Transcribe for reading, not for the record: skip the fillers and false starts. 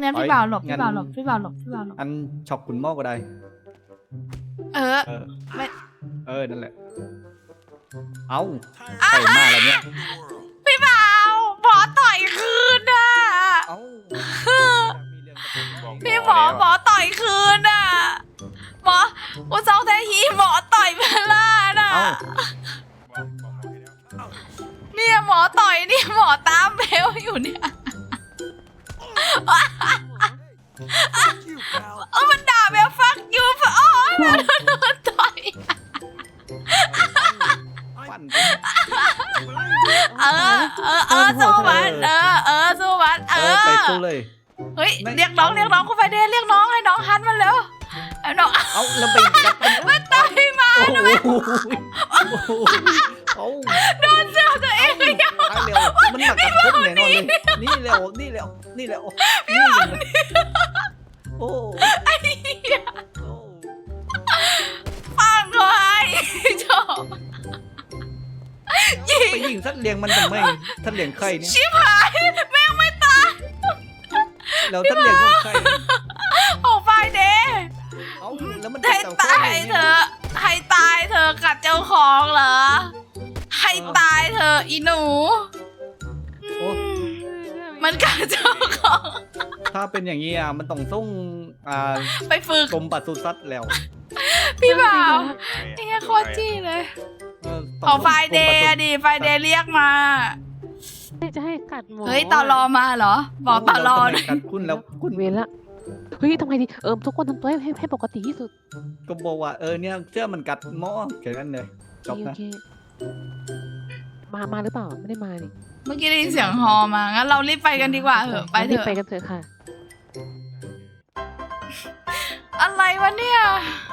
งั้นพี่บ่าวหลบพี่บ่าวหลบพี่บ่าวหลบพี่บ่าวหลบอันช็อกคุณหม้อก็ได้เออเออไม่นั่นแหละเอาใส่มาแล้วเนี่ยพี่บ่าวหมอต่อยคืนอ่ะเอาพี่หมอต่อยคืนอ่ะหมออุซองแทฮีหมอต่อยเบลล่าน่ะเอาเนี่ยหมอต่อยนี่หมอตามเบลอยู่เนี่ยมันด่าเบลฟักยูโอ้ยมันโดนต่อยฟันสู้มันสู้มันไปสู้เลยเฮ้ยเรียกน้องคุณไฟเดย์เรียกน้องให้น้องฮันมันเร็วเอาน้องเอาแล้วไปกัดมันต่อยมาโอ้ทำไมโหเอาโดนเสื้อตัวเองเลยอ่ะตายเร็วมันหนักกับผมแน่นอนเลยนี่เร็วนี่โอ้ฟังเขาให้ชอบไปยิงสัตว์เลี้ยงมันทำไมสัตว์เลี้ยงใครเนี่ยชิบหายแม่งไม่ตายแล้วสัตว์เลี้ยงของใครโอ้ไฟเดย์เอาแล้วมันให้ตายเธอให้ตายเธอกัดเจ้าของเหรอให้ตายเธออีหนูมันกัดเจ้าของถ้าเป็นอย่างนี้มันต้องส่งไปฝึกกรมปศุสัตว์แล้วพี่บ่าวไอ้โคตรจี้เลยขอไฟเดย์ดิไฟเดย์เรียกมาจะให้กัดหมูเฮ้ยตอรอมาเหรอบอกตอรอกัดคุณแล้วคุณเวรละเฮ้ยทำไงดีทุกคนทำตัวให้ปกติที่สุดก็บอกว่าเนี่ยเสื้อมันกัดหม้อแค่นั้นเลยจบโอนะเคมาหรือเปล่าไม่ได้มานี่เมื่อกี้ได้ยินเสียงฮอมางั้นเรารีบไปกันดีกว่าเถอะไปเถรีบอะไปกันเถอะค่ะอะไรวะเนี่ย